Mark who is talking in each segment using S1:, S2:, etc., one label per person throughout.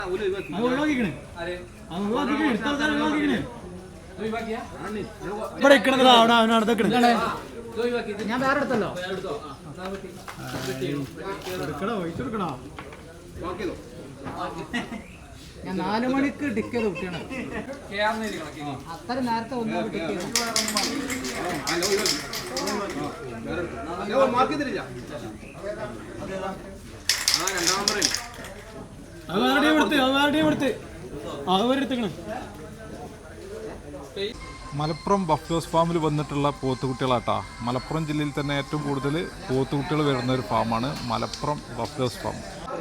S1: ഞാൻ വേറെ എടുത്തല്ലോ. ഞാൻ 4 മണിക്ക് ടിക്ക് ചെയ്ത് കുട്ടിയാണ്. അത്ര നേരത്തെ ഒന്നും ടിക്ക് ചെയ്തു.
S2: മലപ്പുറം ബഫ്ലോസ് ഫാമിൽ വന്നിട്ടുള്ള പോത്തുകുട്ടികളാട്ടാ. മലപ്പുറം ജില്ലയിൽ തന്നെ ഏറ്റവും കൂടുതൽ പോത്തുകുട്ടികൾ വരുന്ന ഒരു ഫാമാണ് മലപ്പുറം ബഫ്ലോസ് ഫാം.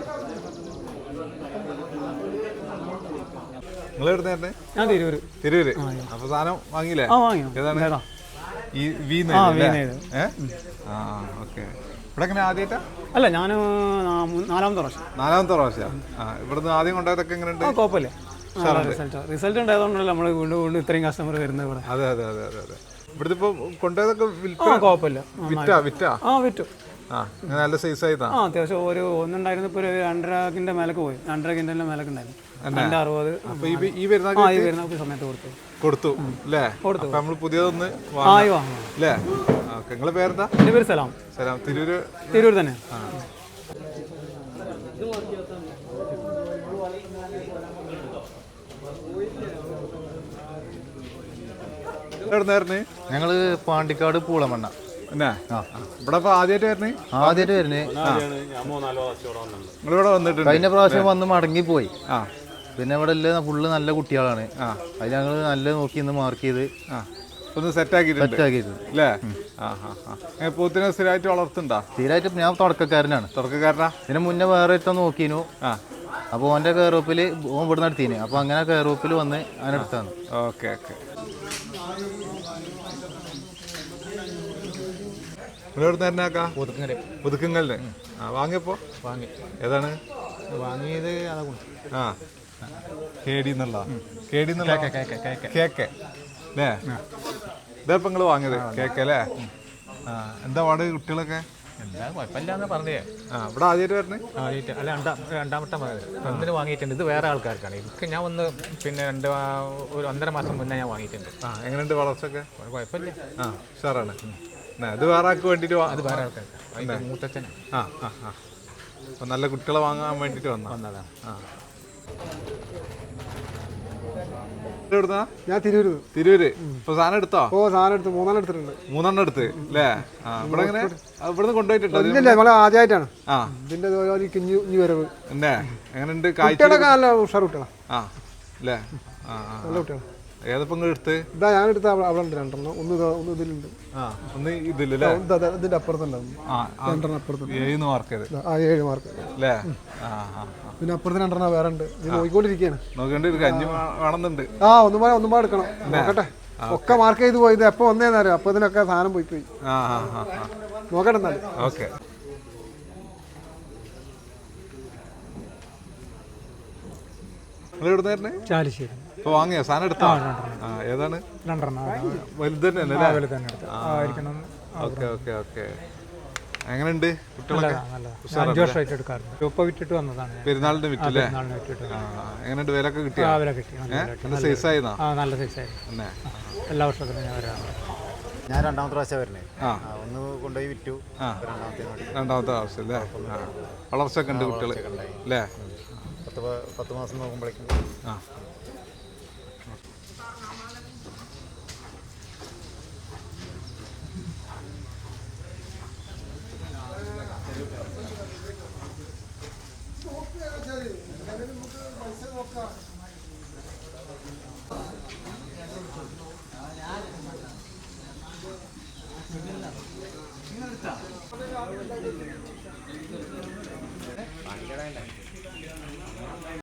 S2: നിങ്ങൾ എവിടുന്നായിരുന്നേ? തിരൂര്. അപ്പൊ സാധനം വാങ്ങിയില്ലേ? ഏതാണ് ഈ ഓക്കെ. ഇവിടെ എങ്ങനെ ആദ്യമായിട്ടാ?
S3: അല്ല, ഞാൻ 4ാമത്തെ
S2: പ്രാവശ്യം. ഇവിടുന്ന് ആദ്യം കൊണ്ടുപോയതൊക്കെ എങ്ങനെയുണ്ട്?
S3: കുഴപ്പമില്ല, റിസൾട്ട് ഉണ്ടായതുകൊണ്ടല്ലോ നമ്മൾ വീണ്ടും ഇത്രയും കസ്റ്റമർ വരുന്നത് ഇവിടെ.
S2: അതെ. ഇവിടുത്തെ ഇപ്പൊ കൊണ്ടുപോയതൊക്കെ
S3: കുഴപ്പമില്ല, വിറ്റു.
S2: നല്ല സൈസ് ആയിട്ടാ.
S3: അത്യാവശ്യം ഒരു ഒന്നുണ്ടായിരുന്നു. ഇപ്പൊ ഒരു 2.5 മേലക്ക് പോയി. 2.5 കിൻഡലിന്റെ മേലക്ക് ഉണ്ടായിരുന്നു. 260
S2: ഈ വരുന്ന
S3: സമയത്ത്
S2: കൊടുത്തു അല്ലേ? നമ്മൾ പുതിയതൊന്ന് അല്ലേ? നിങ്ങളെ പേരെന്താ?
S3: എന്റെ പേര് സലാം.
S2: തിരൂര് തന്നെ.
S4: ഞങ്ങള് പാണ്ടിക്കാട് പൂളമണ്ണ.
S2: ഇവിടെ ആദ്യമായിട്ട് വരുന്നേ. നിങ്ങളിവിടെ വന്നിട്ട്
S4: കഴിഞ്ഞ പ്രാവശ്യം വന്ന് മടങ്ങി പോയി. പിന്നെ ഇവിടെ ഫുള്ള് നല്ല കുട്ടികളാണ്. അത് ഞങ്ങൾ നല്ല നോക്കി ഇന്ന് മാർക്ക് ചെയ്ത്
S2: ഒന്ന് സെറ്റാക്കിയിട്ടുണ്ട് അല്ലേ? പോത്തിനെ സ്ഥിരമായിട്ട് വളർത്തുണ്ടോ?
S4: സ്ഥിരമായിട്ട് ഞാൻ തുടക്കക്കാരനാണ്. ഇതിന് മുന്നേ വേറെ ഇഷ്ടം നോക്കിനു. അപ്പൊ ഓന്റെ കയറോപ്പില് ഓൻ ഇവിടെ നടത്തിന്. അപ്പൊ അങ്ങനെ കയറോപ്പിൽ വന്ന് അതിനെടുത്താണ്.
S2: ഓക്കെ. പുതുക്കങ്ങളിലെ വാങ്ങിയപ്പോ ഏതാണ്
S4: വാങ്ങിയത്?
S2: കേക്ക് അല്ലേ? ഇതപ്പം നിങ്ങൾ വാങ്ങിയത് കേക്ക് അല്ലേ? എന്താ പാട് കുട്ടികളൊക്കെ?
S4: എന്താ കുഴപ്പമില്ലാന്ന് പറഞ്ഞേ.
S2: ഇവിടെ ആദ്യമായിട്ട് വരണേ?
S4: അല്ല, രണ്ടാമത്തെ ഒന്നിന് വാങ്ങിയിട്ടുണ്ട്. ഇത് വേറെ ആൾക്കാർക്കാണ്. എനിക്ക് ഞാൻ ഒന്ന് പിന്നെ ഒരു 1.5 മാസം മുന്നേ ഞാൻ വാങ്ങിയിട്ടുണ്ട്.
S2: എങ്ങനെയുണ്ട് വളർച്ചയൊക്കെ?
S4: കുഴപ്പമില്ല,
S2: ഉഷാറാണ്. ഇത് വേറെ ആൾക്ക് വേണ്ടിട്ട്?
S4: അത് വേറെ ആൾക്കാർക്ക്, മൂത്തച്ഛൻ.
S2: അപ്പൊ നല്ല കുട്ടികളെ വാങ്ങാൻ വേണ്ടിട്ട് വന്നതാണ്.
S5: ഞാൻ തിരൂര്.
S2: ഇപ്പൊ സാധനം എടുത്തോ?
S5: സാധനം എടുത്ത് 3 എടുത്തിട്ടുണ്ട്.
S2: 3 എടുത്ത് അല്ലേ? ഇവിടെ എങ്ങനെ ഇവിടുന്ന് കൊണ്ടുപോയിട്ടുണ്ടോ?
S5: നമ്മളെ ആദ്യമായിട്ടാണ് ഇതിന്റെ വരവ്.
S2: എങ്ങനെയുണ്ട്?
S5: നല്ല ഉഷാർ കുട്ടികളാ
S2: അല്ലേ?
S5: നല്ല കുട്ടികളാ.
S2: ഏതപ്പം എടുത്ത്?
S5: ഞാൻ എടുത്ത അവിടെ ഉണ്ട് 2 ഒന്ന് ഇതിലുണ്ട്.
S2: ഒന്ന് ഇതില്ലേ?
S5: ഇതിന്റെ അപ്പുറത്തുണ്ടാവും 2 അപ്പുറത്തുണ്ട്.
S2: 7 മാർക്ക്
S5: അല്ലേ? പിന്നെ അപ്പുറത്ത് 2 വേറെ ഉണ്ട്. ഇത് നോക്കിക്കൊണ്ടിരിക്കുകയാണ്.
S2: വേണമെന്നുണ്ട്.
S5: ഒന്നും എടുക്കണം. നോക്കട്ടെ. ഒക്കെ മാർക്ക് ചെയ്ത് പോയി. ഇത് എപ്പോ വന്നേന്നറിയാം. അപ്പൊ ഇതിനൊക്കെ സാധനം പോയി. നോക്കട്ടെ എന്നാലും.
S2: ഓക്കെ.
S3: ചാലിശ്ശേരി.
S2: ഇപ്പൊ വാങ്ങിയോ സാധനം എടുത്താ? ഏതാണ്?
S3: 2
S2: വലുത് തന്നെ. ഓക്കെ. എങ്ങനെയുണ്ട് കുട്ടികളൊക്കെ?
S3: 5 വർഷമായിട്ട് എടുക്കാറുണ്ട്. ഇപ്പൊ വിറ്റിട്ട് വന്നതാണ്.
S2: പെരുന്നാളിന്റെ വിറ്റല്ലേ? എങ്ങനെയുണ്ട്? വിലൊക്കെ കിട്ടിയോ? നല്ല സൈസായിരുന്നോ?
S3: നല്ല സൈസായിരുന്നു. എല്ലാ വർഷത്തിലും ഞാൻ വരാറുണ്ട്.
S4: ഞാൻ 2ാമത്തെ പ്രാവശ്യം വരുന്നേ. ഒന്ന് കൊണ്ടുപോയി വിറ്റു.
S2: രണ്ടാമത്തെ പ്രാവശ്യം അല്ലേ? വളർച്ചയൊക്കെ ഉണ്ട് കുട്ടികൾ അല്ലേ?
S4: 10 മാസം നോക്കുമ്പോഴേക്കും.